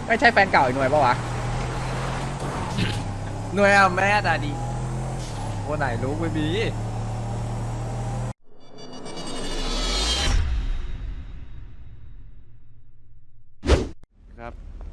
ไม่ใช่แฟนเก่าอีกหน่วยปะวะหน่วยอะแม่ตาดีคนไหนรู้ไม่มีครับ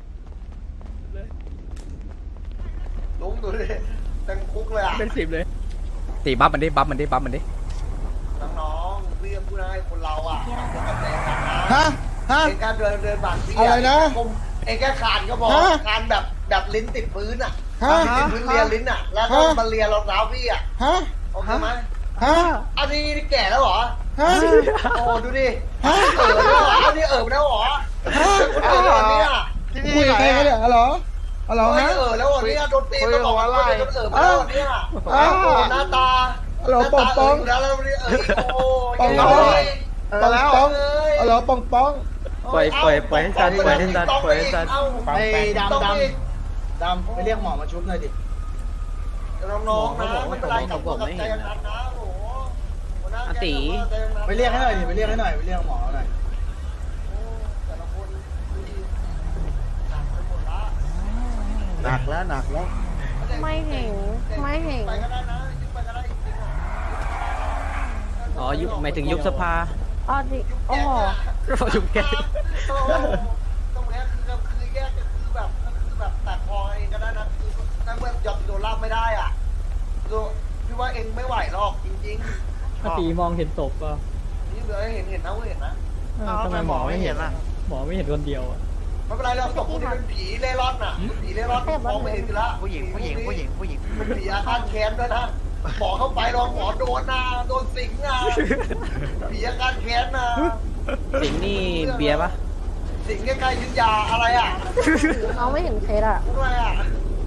ลุงดูดิเต็มคุกเลยอ่ะเป็น10เลยตีบัฟมันดิบัฟมันดิบัฟมันดิน้องๆเรียกผู้นายคนเราอ่ะทำตัวกับแรงกันนะฮะ ฮะเองการเดินบางทีอะไรนะเองแค่คานก็พอฮะคานแบบลิ้นติดพื้นอ่ะฮะลิ้นติดพื้นเลียลิ้นอ่ะ แล้วก็ฮะมาเลียรองเท้าพี่อ่ะฮะโอเคไหมฮะอันนี้แก่แล้วเหรอฮะโอ้ดูดิฮะแล้วเหรออันนี้แล้วเหรอฮะเออแล้วเนี่ยคุยกับใครกันเนี่ยฮัลโหลฮัลโหลเฮ้ยฮะแล้วเหรอเนี่ยโดนตีตลอดเลยจนแล้วเหรอเนี่ยอ้าวโอ้หน้าตาฮัลโหลหน้าปองตาปองอยู่แล้วแล้วเนี่ยโอ้ปองยังปองไงปองปองฮัลโหลปองปองปล่อยให้ซันปล่อยให้ซันปล่อยให้ซันไอ้ดำไปเรียกหมอมาชุบหน่อยดิน้องๆนะไม่เป็นไรกับตัวกับใจกันนะโอ้โหหัวหน้าแก๊งนะไปเรียกให้หน่อยดิไปเรียกให้หน่อยไปเรียกหมอหน่อยโอ้แต่ละคนดูดิหนักไปหมดละหนักแล้วหนักแล้วไม่เห็นไม่เห็นไปก็ได้นะยึดไปก็ได้จริงๆอ่ะอ๋อยุบหมายถึงยุบสภาอ๋อดิโอ้โหยุบแกโอ้โหตรงเนี้ยคือแยกคือแบบตัดคอเองก็ได้นะคือนั่นเมื่อยอมโดนลาบไม่ได้อ่ะดูพี่ว่าเองไม่ไหวหรอกจริงๆถ้าตีมองเห็นศพป่ะนี่เลยเห็นนะเห็นนะทำไมหมอไม่เห็นล่ะ หมอไม่เห็นคนเดียวอ่ะไม่เป็นไรเราตกพวกนี้เป็นผีเล่ร่อนน่ะผีเล่ร่อนมองไม่เห็นอยู่ละผู้หญิงเป็นผีอาฆาตแค้นด้วยนะหมอเข้าไปลองหมอโดนนะโดนสิงนะผีอาฆาตแค้นนะสิงนี่เบียร์ปะสิงใกล้ๆยุทธยาอะไรอ่ะน้องไม่เห็นเคสอ่ะอะไรอ่ะ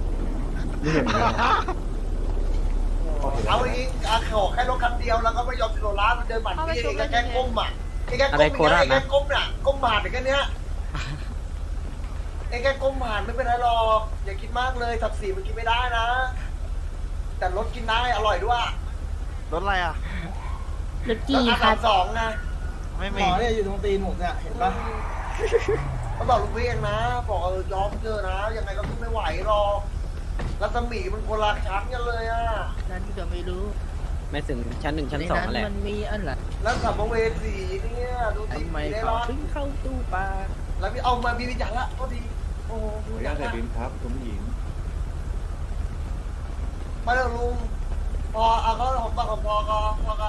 เอาอีกขอแค่รถคันเดียวแล้วก็ไม่ยอมโดนล้ามันเดินหมันพี่เองแค่ก้มอ่ะเองแค่ก้มแค่ก้มน่ะก้มผ่านแค่เนี้ยเองแค่ก้มผ่านไม่เป็นไรหรอกอย่าคิดมากเลยสับสีมันกินไม่ได้นะ แต่รถกินได้อร่อยด้วยรถอะไรอ่ะรถกี่รถคัน R32นะไม่หมมีอเนี่ยอยู่ตรงตีนผมเนี่ยเห็นปะเขาบอกลุงเวียงนะบอกยอมเจอนะยังไงก็ขึ้นไม่ไหวหรอกรัศมีมันคนละชั้นกันเลยอ่ะนั่นก็ไม่รู้ ไม่ถึงชั้น1ชั้น2นั่นแหละมันมีอะไรแล้วสัมภเวสีเนี่ยดูสิทำไมได้เขารอดถึงเข้าตู้ปลาแล้วพี่เอามามีวิจารณ์ละก็ดีโอ้โหมีวิจารณ์ละ มาเร็วลุงพอเอาเขาของปากของพอก็พอกัน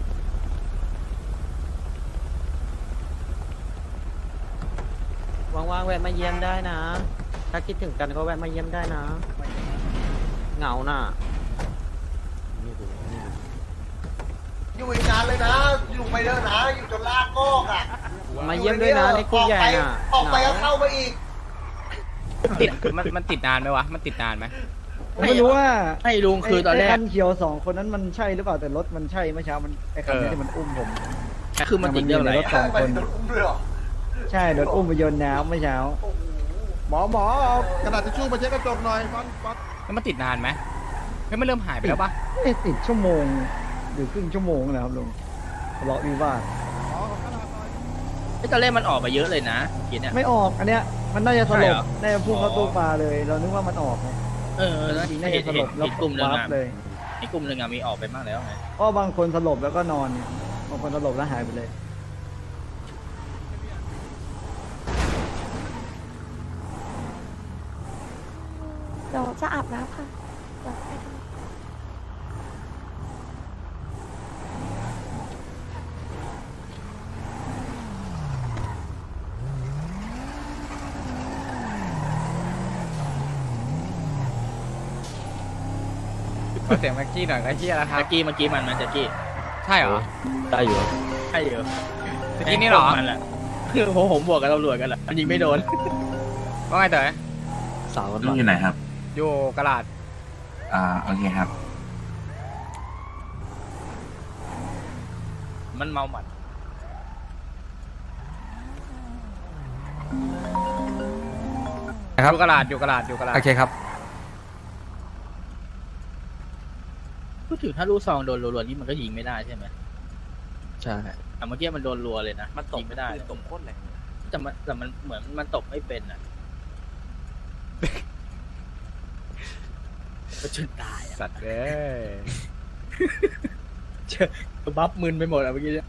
ว่างๆแวะมาเยี่ยมได้นะ ถ้าคิดถึงกันก็แวะมาเยี่ยมได้นะ เหงาน่ะอยู่อีกนานเลยนะ อยู่ไปเด้อนะ อยู่จนลากงอกอ่ะมาเยี่ยมด้วยนะในคุกใหญ่น่ะออกไปก็เข้ามาอีกติดมันติดนานไหมวะมันติดนานไหมผมไม่รู้ว่าให้ลุงคือตอนแรไคักนเขียวสองคนนั้นมันใช่หรือเปล่าแต่รถมันใช่เมื่อเช้ามันไอ้คันนี้ที่มันอุ้มผมคือมันติดเรื่องอะไรรถอะสองคนไปโดนอุ้มเลยเหรอใช่โดนอุ้มไปโยนน้ำเมื่อเช้าโอ้โหหมอเอากระดาษทิชชู่มาเช็ดกระจกหน่อยฟันฟันแล้วมันติดนานไหมเฮ้ยมันเริ่มหายไปแล้วปะติดชั่วโมงหรือครึ่งชั่วโมงนะครับลุงทะเลาะวิวาทตอนแรกมันออกมาเยอะเลยนะกินเนี่ยไม่ออกอันเนี้ยมันน่าจะสใช่ลเหบรอน่าจะพุ่งเข้าตู้ปลาเลย เรานึกว่ามันออกไงแล้วจริงๆน่าเห็จะนสลบแล้วกลุ่มหนึ่งวับอะเลยในกลุ่มหนึ่งอะมีออกไปบ้างแล้วไงก็บางคนสลบแล้วก็นอนเนี่ยบางคนสลบแล้วหายไปเลยเดี๋ยวจะอาบน้ำค่ะเดี๋ยวไปดูขอเสียงแม็กกี้หน่อยก็เฮียแล้วครับเมื่อกี้มันแจ็คกี้ใช่เหรอได้อยู่ใช่อยู่เมื่อกี้นี่เหรอมันแหละคือผมบวกกับตำรวจกันแหละมันยิงไม่โดนว่าไงเต๋อสาวกันลุงอยู่ไหนครับอยู่กระลาดโอเคครับมันเมาหมัดครับอยู่กระลาดอยู่กระลาดอยู่กระลาดโอเคครับพูดถึงถ้าลูกซองโดนรัวๆนี่มันก็ยิงไม่ได้ใช่ไหมใช่แต่เมื่อกี้มันโดนรัวเลยนะมันตกยิงไม่ได้ตกโคตรแรงแต่มันเหมือนมันตบไม่เป็นอ่ะจนตายอ่ะสัตว์เอ้ยบัฟมึนไปหมดอ่ะเมื่อกี้เนี่ย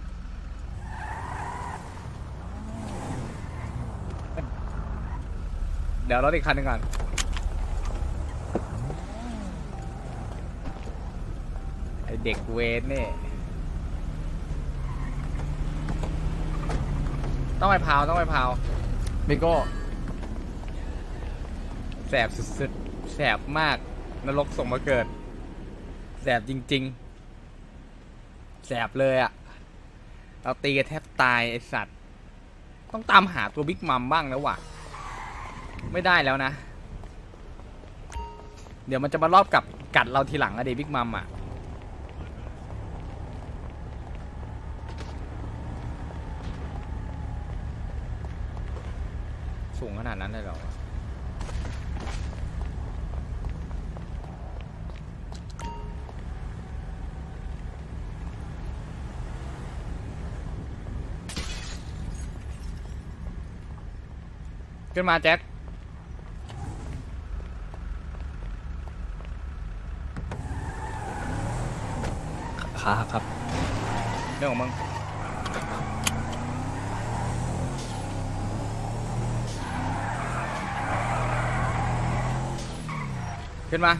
เดี๋ยวรถอีกคันหนึ่งก่อนไอเด็กเวรนี่ต้องไปพาวต้องไปพาวมิโก้แสบสุดๆแสบมากนรกส่งมาเกิดแสบจริงๆแสบเลยอะเราตีกันแทบตายไอสัตว์ต้องตามหาตัวบิ๊กมัมบ้างแล้วว่ะไม่ได้แล้วนะเดี๋ยวมันจะมารอบกับกัดเราทีหลังอะเดบิ๊กมัมอะสูงขนาดนั้นเลยเหรอขึ้นมาแจ็คขาครับเรื่องของมึงขึ้นมา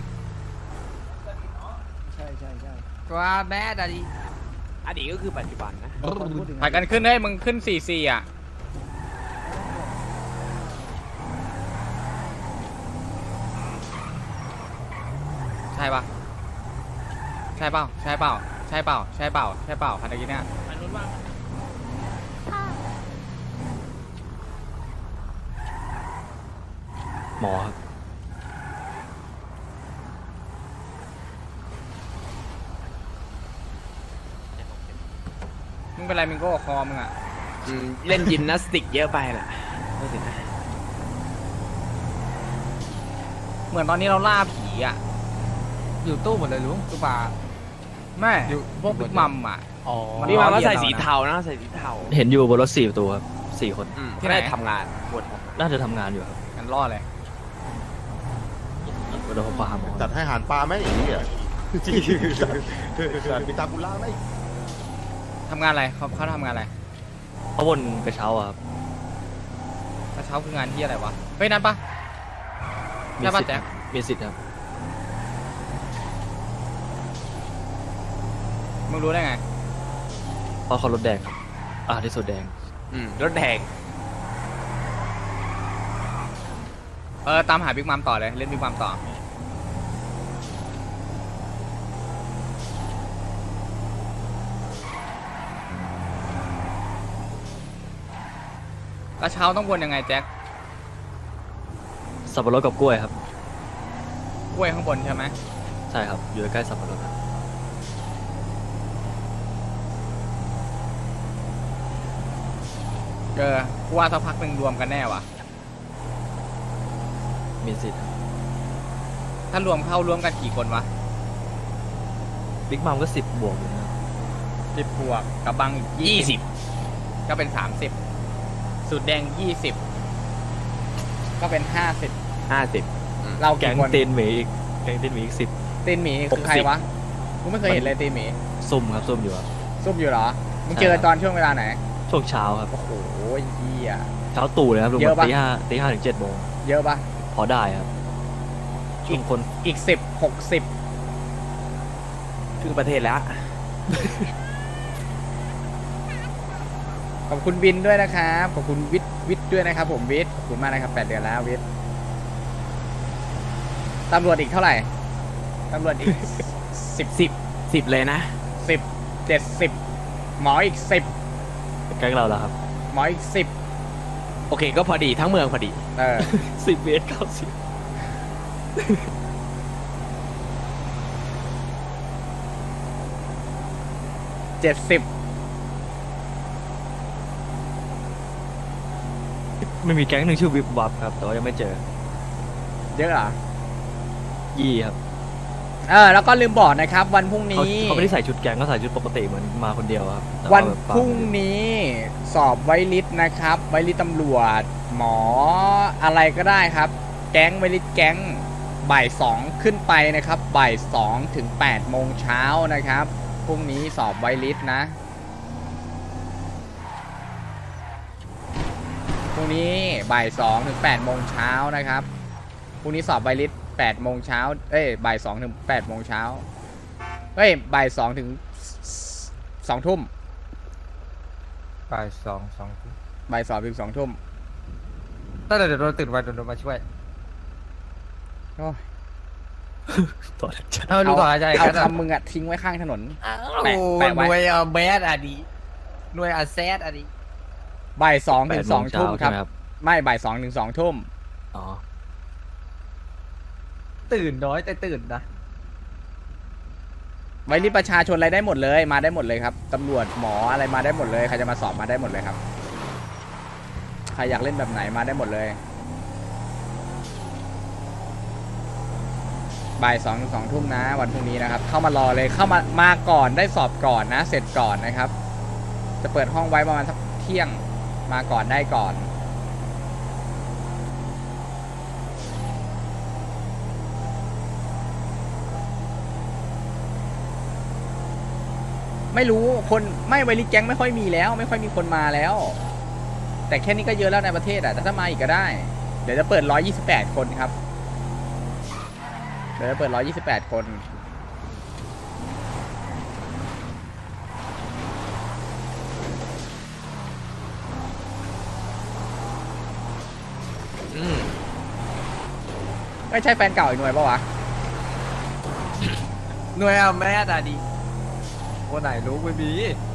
ใช่ใช่ใช่ว่าแม่ดาดีอดีตก็คือปัจจุบันนะพูดถึงถ่ายกันขึ้นให้มึงขึ้น4-4อ่ะใช่ปะใช่เปล่าใช่เปล่าใช่เปล่าใช่เปล่าใช่เปล่าคันตะกี้เนี่ยหมอครับมึงเป็นไรมิงโก้คอมึงอ่ะเล่นยิมนาสติกเยอะไปแหละไม่ถึงนะเหมือนตอนนี้เราล่าผีอ่ะอยู่ตู้หมดเลยลุงตู้ปลาแม่พวกบิ๊กมัมอ่ะอ๋อนี่มาก็ใส่สีเทานะใส่สีเทาเห็นอยู่บนรถ4 ประตูครับ4 คนที่ได้ทำงานบนน่าจะทำงานอยู่ครับกันรอดเลยเดี๋ยวผมพาหาหมอจัดให้อาหารปลาไหมอย่างนี้อ่ะจัดมีตาบุล่าไหมทำงานอะไรเขาทำงานอะไรเขาวนกระเช้าอะครับกระเช้าคืองานที่อะไรวะเฮ้ยนั่นปะใช่ปะแจ๊คมีสิทธิ์ครับมึงรู้ได้ไงเพราะเขารถแดงครับที่สุดแดงรถแดงตามหาบิ๊กมัมต่อเลยเล่นบิ๊กมัมต่อกระเช้าต้องวนยังไงแจ็คสับปะรดกับกล้วยครับกล้วยข้างบนใช่ไหมใช่ครับ อยู่ใกล้ๆสับปะรดครับกูว่าสักพักหนึ่งรวมกันแน่ว่ะมีสิทธิ์ครับถ้ารวมเข้ารวมกันกี่คนวะบิ๊กมัมก็10 บวกอยู่นะครับ 10 บวกกับบังอีก20ก็เป็น30สุดแดง20ก็เป็น50เราแก๊กี่งคนเตนหมีอีกแก๊งเตนหมีอีก10 ตีนหมีคือใครวะกูไม่เคยเห็นเลยตีนหมีซุ่มครับซุ่มอยู่ครับซุ่มอยู่เหรอมึงใช่เจอครับตอนช่วงเวลาไหนช่วงเช้าครับโอ้โหเหี้ยเช้าตู่เลยครับลุงเยอะปะตีห้าถึง7 โมงเยอะปะพอได้ครับช่วงคนอีก60 ครึ่งประเทศแล้วขอบคุณวินด้วยนะครับขอบคุณวิทย์ด้วยนะครับผมวิทย์ขอบคุณมากนะครับ8 เดือนแล้ววิทย์ตำรวจอีกเท่าไหร่ตำรวจอีก 10เลยนะ 10 70หมออีก10 แก๊งเราแล้วครับหมออีกโอเคก็พอดีทั้งเมืองพอดี 10 10 เมตร90 70 ไม่มีแก๊งหนึ่งชื่อวิบวับครับ แต่ว่ายังไม่เจอเยอะเหรอยี่ครับแล้วก็ลืมบอกนะครับ วันพรุ่งเขานี้เขาไม่ได้ใส่ชุดแก๊งเขาใส่ชุดปกติเหมือนมาคนเดียวครับแต่วันแบบพรุ่งนี้สอบไวลิสนะครับ ไวลิสตำรวจ หมออะไรก็ได้ครับแก๊งไวลิสแก๊งบ่าย2ขึ้นไปนะครับบ่าย2ถึง8โมงเช้านะครับพรุ่งนี้สอบไวลิสนะพรุ่งนี้บ่าย2ถึง8โมงเช้านะครับพรุ่งนี้สอบไวลิส8โมงเช้าบ่าย2ถึง8โมงเช้าบ่าย2ถึง2ทุ่มบ่ายสองทุ่มบ่าย2ถึง2ทุ่มถ้าเดี๋ยวเราตื่นวันโดนมาช่วยโอ้ยต่อจากเอาลูกต่อใจเอากันคำมึงอะทิ้งไว้ข้างถนนแปะแปะไว้หน่วยแบดอะดีหน่วยอาแซดอะดีบ่าย2ถึง2ทุ่มครับครับไม่บ่าย2ถึง2ทุ่มอ๋อตื่นน้อยแต่ตื่นนะไวริสประชาชนอะไรได้หมดเลยมาได้หมดเลยครับตำรวจหมออะไรมาได้หมดเลยใครจะมาสอบมาได้หมดเลยครับใครอยากเล่นแบบไหนมาได้หมดเลยบ่าย2ถึง2ทุ่มนะวันพรุ่งนี้นะครับเข้ามารอเลยเข้ามาก่อนได้สอบก่อนนะเสร็จก่อนนะครับจะเปิดห้องไว้ประมาณสักเที่ยงมาก่อนได้ก่อนไม่รู้คนไม่ไวริสแก๊งไม่ค่อยมีแล้วไม่ค่อยมีคนมาแล้ว แต่แค่นี้ก็เยอะแล้วในประเทศอ่ะแต่ถ้ามาอีกก็ได้เดี๋ยวจะเปิด128คนครับเดี๋ยวจะเปิด128คนไม่ใช่แฟนเก่าอีกหน่วยปะวะหน่วยอาแมดอะดีคนไหนรู้ไม่มี